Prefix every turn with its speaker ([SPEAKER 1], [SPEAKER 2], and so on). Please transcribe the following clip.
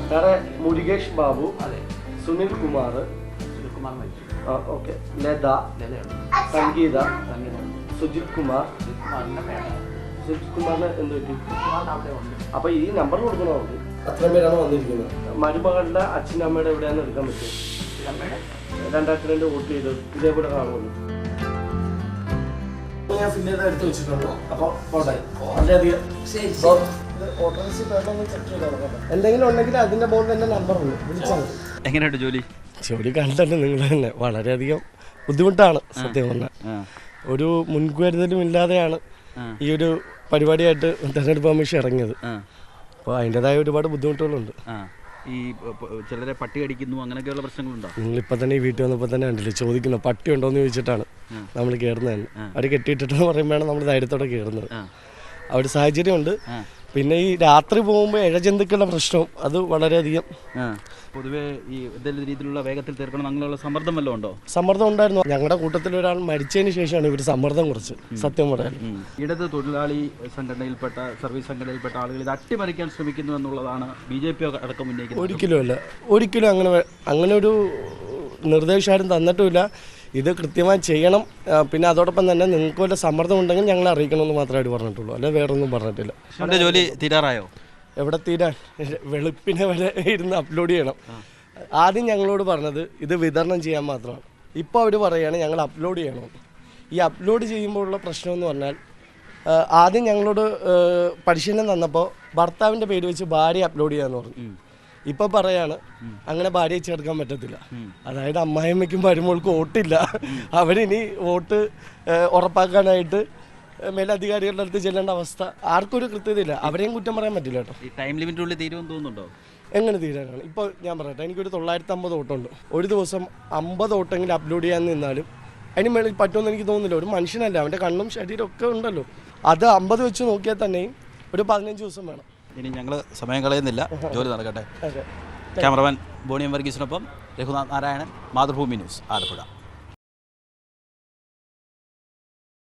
[SPEAKER 1] വേറെ മുരുകേഷ് ബാബു, സുനിൽ കുമാർ, ഓക്കെ, ലത, സംഗീത, സുജിത് കുമാർ. സുജിത് കുമാറിന് എന്ത് പറ്റി? അപ്പൊ ഈ നമ്പർ കൊടുക്കണോ? അത്രയും പേരാണ് വന്നിരിക്കുന്നത്. മരുമകളുടെ അച്ഛനും അമ്മയുടെ എവിടെയാണെന്ന് എടുക്കാൻ പറ്റും? 2002 വോട്ട് ചെയ്ത് ഇതേപോലെ കാണുമല്ലോ. ഞാൻ പിന്നെ എടുത്ത് വെച്ചിട്ടുണ്ടോ? അപ്പൊ വളരെയധികം എന്തെങ്കിലും ഉണ്ടെങ്കിൽ അതിന്റെ ബോർഡിൽ എന്റെ നമ്പർ ഉണ്ട്, വിളിച്ചാൽ മതി.
[SPEAKER 2] എങ്ങനെയുണ്ട് ജോലി?
[SPEAKER 1] ജോലി കണ്ടല്ലോ നിങ്ങൾ തന്നെ. വളരെയധികം ബുദ്ധിമുട്ടാണ് സത്യം പറഞ്ഞാൽ. ഒരു മുൻകരുതലും ഇല്ലാതെയാണ് ഈ ഒരു പരിപാടിയായിട്ട് തെരഞ്ഞെടുപ്പ് കമ്മീഷൻ ഇറങ്ങിയത്. അപ്പോൾ അതിൻ്റെതായ ഒരുപാട് ബുദ്ധിമുട്ടുകളുണ്ട്.
[SPEAKER 2] ഈ ചിലരെ പട്ടി കടിക്കുന്നു അങ്ങനെയൊക്കെയുള്ള പ്രശ്നങ്ങളുണ്ടോ?
[SPEAKER 1] നിങ്ങളിപ്പോൾ തന്നെ ഈ വീട്ടിൽ വന്നപ്പോൾ തന്നെ കണ്ടില്ലേ ചോദിക്കുന്നു പട്ടി ഉണ്ടോ എന്ന് ചോദിച്ചിട്ടാണ് നമ്മൾ കയറുന്നത് തന്നെ. അവർ കെട്ടിയിട്ടെന്ന് പറയുമ്പോഴാണ് നമ്മൾ ധൈര്യത്തോടെ കയറുന്നത്. ആ ഒരു സാഹചര്യമുണ്ട്. പിന്നെ ഈ രാത്രി പോകുമ്പോൾ ഇഴജന്തുക്കളുടെ പ്രശ്നവും അത് വളരെയധികം.
[SPEAKER 2] പൊതുവേ ഈ എന്തെങ്കിലും രീതിയിലുള്ള വേഗത്തിൽ തീർക്കണം അങ്ങനെയുള്ള സമ്മർദ്ദം വല്ലതും ഉണ്ടോ?
[SPEAKER 1] സമ്മർദ്ദം ഉണ്ടായിരുന്നു. ഞങ്ങളുടെ കൂട്ടത്തിൽ ഒരാൾ മരിച്ചതിന് ശേഷമാണ് ഇവർ സമ്മർദ്ദം കുറച്ച്, സത്യം പറയാൻ.
[SPEAKER 2] ഇടത് തൊഴിലാളി സംഘടനയിൽപ്പെട്ട സർവീസ് സംഘടനയിൽപ്പെട്ട ആളുകൾ ഇത് അട്ടിമറിക്കാൻ ശ്രമിക്കുന്നു എന്നുള്ളതാണ് BJP അടക്കം ഉന്നയിക്കുന്നത്.
[SPEAKER 1] ഒരിക്കലും അങ്ങനെ ഒരു നിർദ്ദേശം ആരും തന്നിട്ടുമില്ല. ഇത് കൃത്യമായി ചെയ്യണം. പിന്നെ അതോടൊപ്പം തന്നെ നിങ്ങൾക്ക് വല്ല സമ്മർദ്ദം ഉണ്ടെങ്കിൽ ഞങ്ങളെ അറിയിക്കണമെന്ന് മാത്രമായിട്ട് പറഞ്ഞിട്ടുള്ളൂ, അല്ലെ വേറൊന്നും പറഞ്ഞിട്ടില്ല.
[SPEAKER 2] ജോലി തീരാറായോ?
[SPEAKER 1] എവിടെ തീരാൻ? വെളുപ്പിനെ വരെ ഇരുന്ന് അപ്ലോഡ് ചെയ്യണം. ആദ്യം ഞങ്ങളോട് പറഞ്ഞത് ഇത് വിതരണം ചെയ്യാൻ മാത്രമാണ്. ഇപ്പോൾ അവർ പറയുകയാണ് ഞങ്ങൾ അപ്ലോഡ് ചെയ്യണം. ഈ അപ്ലോഡ് ചെയ്യുമ്പോഴുള്ള പ്രശ്നം എന്ന് പറഞ്ഞാൽ ആദ്യം ഞങ്ങളോട് പരിശീലനം തന്നപ്പോൾ ഭർത്താവിൻ്റെ പേര് വെച്ച് ഭാര്യ അപ്ലോഡ് ചെയ്യാമെന്ന് പറഞ്ഞു. ഇപ്പോൾ പറയാണ് അങ്ങനെ ഭാര്യയെ ചേർക്കാൻ പറ്റത്തില്ല. അതായത് അമ്മായിയമ്മയ്ക്കും മരുമോൾക്കും വോട്ടില്ല. അവരിനി വോട്ട് ഉറപ്പാക്കാനായിട്ട് മേലധികാരികളുടെ അടുത്ത് ചെല്ലേണ്ട അവസ്ഥ. ആർക്കും ഒരു കൃത്യതയില്ല. അവരെയും കുറ്റം പറയാൻ പറ്റില്ല കേട്ടോ.
[SPEAKER 2] ഈ ടൈം ലിമിറ്റിനുള്ളിൽ തീരുമെന്ന് തോന്നുന്നുണ്ടോ?
[SPEAKER 1] എങ്ങനെ തീരാനാണ്? ഇപ്പോൾ ഞാൻ പറയട്ടെ, എനിക്കൊരു 950 വോട്ടുണ്ട്. ഒരു ദിവസം 50 വോട്ടെങ്കിലും അപ്ലോഡ് ചെയ്യാൻ നിന്നാലും അതിന് മേളിൽ പറ്റുമെന്ന് എനിക്ക് തോന്നുന്നില്ല. ഒരു മനുഷ്യനല്ല, അവൻ്റെ കണ്ണും ശരീരം ഒക്കെ ഉണ്ടല്ലോ. അത് 50 വെച്ച് നോക്കിയാൽ തന്നെയും ഒരു 15 ദിവസം വേണം.
[SPEAKER 2] ഇനി ഞങ്ങൾ സമയം കളയുന്നില്ല, ജോലി നടക്കട്ടെ. ക്യാമറമാൻ ബോണിയം വർഗീസിനൊപ്പം രഘുനാഥ് നാരായണൻ, മാതൃഭൂമി ന്യൂസ്, ആലപ്പുഴ.